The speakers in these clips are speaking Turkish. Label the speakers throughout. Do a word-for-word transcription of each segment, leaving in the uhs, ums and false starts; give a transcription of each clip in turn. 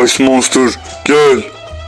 Speaker 1: Ice Monster gel.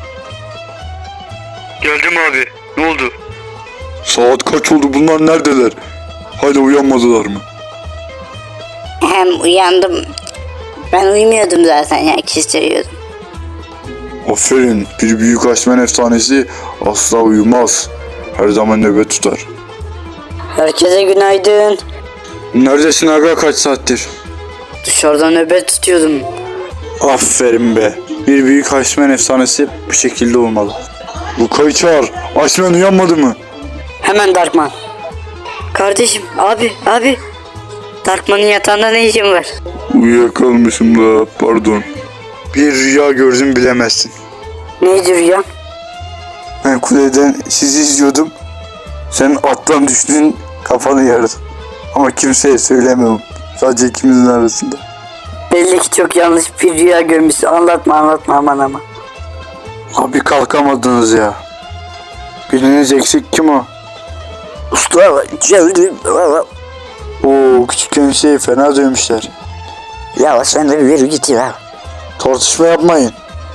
Speaker 2: Geldim abi. Ne oldu?
Speaker 1: Saat kaç oldu, bunlar neredeler? Hala uyanmadılar mı?
Speaker 3: Hem uyandım. Ben uyumuyordum zaten ya, kestiriyordum.
Speaker 1: Aferin, bir büyük Iceman efsanesi asla uyumaz. Her zaman nöbet tutar.
Speaker 3: Herkese günaydın.
Speaker 1: Neredesin aga, kaç saattir?
Speaker 3: Dışarıda nöbet tutuyordum.
Speaker 1: Aferin be. Bir büyük Iceman efsanesi bu şekilde olmalı. Luka'yı çağır. Iceman uyanmadı mı?
Speaker 3: Hemen Darkman. Kardeşim, abi, abi. Darkman'ın yatağında ne işin var?
Speaker 1: Uyuyakalmışım da, pardon. Bir rüya gördüm, bilemezsin.
Speaker 3: Neydi rüya?
Speaker 1: Ben kuleden sizi izliyordum. Sen attan düştün, kafanı yardı. Ama kimseye söylemem. Sadece ikimizin arasında.
Speaker 3: Belli ki çok yanlış bir rüya görmüşsün. Anlatma anlatma aman ama.
Speaker 1: Abi kalkamadınız ya. Biriniz eksik, kim o?
Speaker 3: Usta, geldim.
Speaker 1: Oo, küçükken şey fena dövmüşler.
Speaker 3: Ya sen de bir git ya.
Speaker 1: Tartışma yapmayın.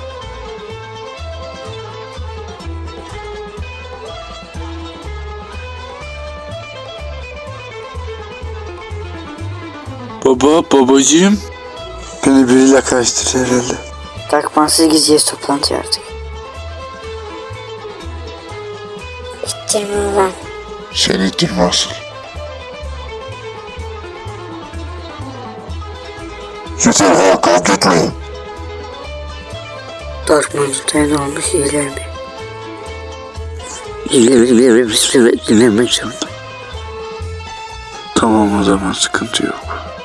Speaker 1: Baba, babacığım. Beni biriyle karıştırdı herhalde.
Speaker 3: Darkman'sız gideceğiz toplantıya artık. İttirme lan.
Speaker 1: Sen ittirme asıl. Yeter ha, kalk etmeyin.
Speaker 3: Darkman tutaya ne olmuş, iyiler mi? İyiler mi? Evet, dinlemek zorunda.
Speaker 1: Tamam, o zaman sıkıntı yok.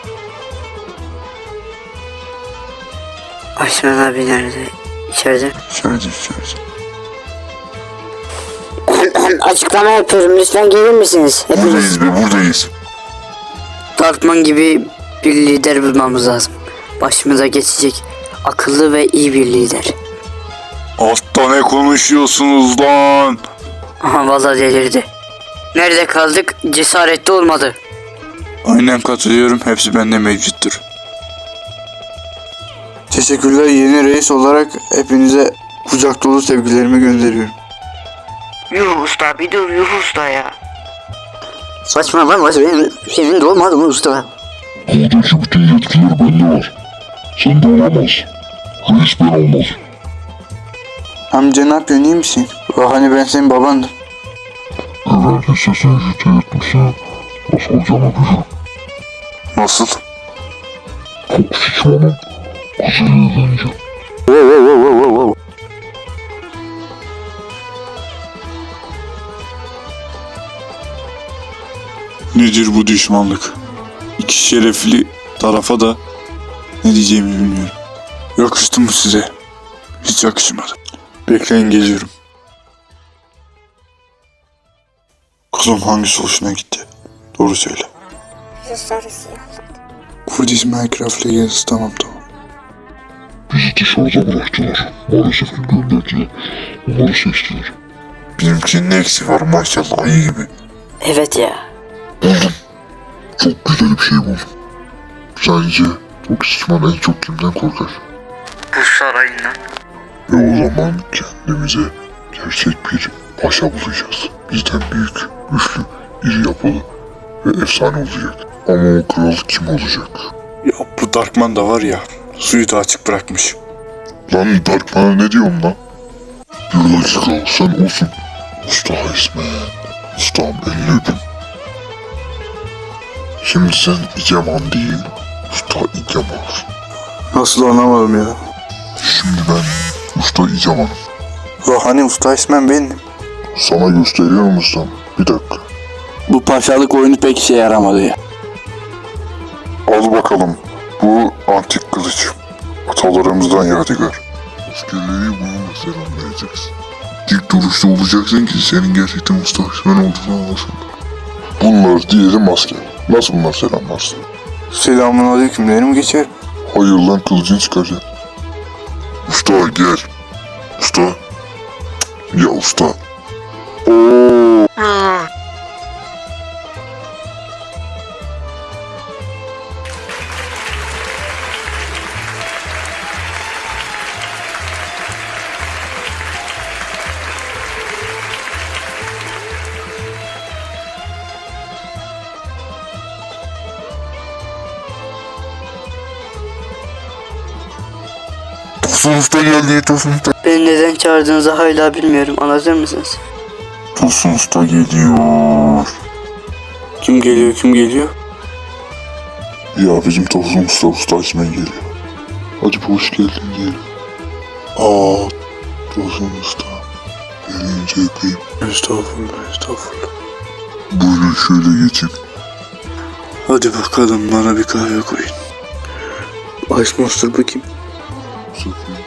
Speaker 3: Aşman abi nerede? İçeride.
Speaker 1: İçeride, içeride.
Speaker 3: Açıklama yapıyorum, lütfen gelir misiniz? Hepiniz.
Speaker 1: Buradayız be, buradayız.
Speaker 3: Darkman gibi bir lider bulmamız lazım. Başımıza geçecek akıllı ve iyi bir lider.
Speaker 1: Altta ne konuşuyorsunuz lan?
Speaker 3: Aha, vallahi delirdi. Nerede kaldık? Cesaretli olmadı.
Speaker 1: Aynen katılıyorum, hepsi bende mevcuttur. Teşekkürler, yeni reis olarak hepinize kucak dolu sevgilerimi gönderiyorum.
Speaker 3: Yuh usta, bir dur yuh usta ya. Saçmalama, senin, senin de olmadı mı usta?
Speaker 4: Buradaki bütün yetkiler bende var. Sen de olamaz. Reis ben olmaz.
Speaker 1: Amca ne yapıyorsun, iyi misin? Bak hani ben senin babandım.
Speaker 4: Eğer ki sesin jüte yetmişse nasıl olacağımı bilirim.
Speaker 1: Nasıl?
Speaker 4: Çok şişmanım. Kızıyla evleneceğim.
Speaker 1: Nedir bu düşmanlık? İki şerefli tarafa da ne diyeceğimi bilmiyorum. Yakıştı mı size? Hiç yakışmadı. Bekleyin, geliyorum. Kızım, hangisi hoşuna gitti? Doğru söyle.
Speaker 3: Sarısı ya.
Speaker 1: Kurdis Minecraft Legends, tamam tamam.
Speaker 4: Bizi dışarıda bıraktılar. Maalesef ki gönderdiler. Onları seçtiler.
Speaker 1: Benimkinin ne eksiği var maşallah, iyi gibi.
Speaker 3: Evet ya.
Speaker 4: Buldum. Çok güzel bir şey buldum. Sence o şişman en çok kimden korkar?
Speaker 3: Bu sarayından.
Speaker 4: Ve o zaman kendimize gerçek bir paşa bulacağız. Bizden büyük, güçlü, iri yapılı ve efsane olacak. Ama o kral kim olacak?
Speaker 1: Ya bu Darkman da var ya, suyu da açık bırakmış.
Speaker 4: Lan Darkman'a ne diyorum lan? Bir dakika, sen olsun. Usta Iceman. Ustam, elini öpün. Şimdi sen İgeman değil, Usta İgeman.
Speaker 1: Nasıl, anlamadım ya.
Speaker 4: Şimdi ben Usta İgeman'ım.
Speaker 1: Ya hani usta ismen benim.
Speaker 4: Sana gösteriyorum ustam. Bir dakika.
Speaker 1: Bu paşalık oyunu pek işe yaramadı ya.
Speaker 4: Al bakalım. Bu antik kılıç. Atalarımızdan yadigar. Askerleri bununla selamlayacaksın. Dik duruşta olacaksın ki senin gerçekten Usta İgeman olduğunu anlasınlar. Bunlar diyelim asker. Nasıl bunlar selamlarsın?
Speaker 1: Selamun aleyküm derim, geçer.
Speaker 4: Hayır lan, kılıcını çıkaracaksın. Usta gel. Usta. Ya usta. Oo. Tosun Usta geldi, Tosun Usta.
Speaker 3: Beni neden çağırdığınızı hala bilmiyorum. Anlatır mısınız?
Speaker 4: Tosun Usta geliyor.
Speaker 1: Kim geliyor kim geliyor?
Speaker 4: Ya bizim Tosun Usta, Usta İsmail geliyor. Hadi bir hoş geldin diyelim. Aa, Tosun Usta. Gelince öpeyim.
Speaker 1: Estağfurullah estağfurullah.
Speaker 4: Buyurun şöyle geçin.
Speaker 1: Hadi bakalım bana bir kahve koyun. Ice Monster bu kim?
Speaker 4: Sakın.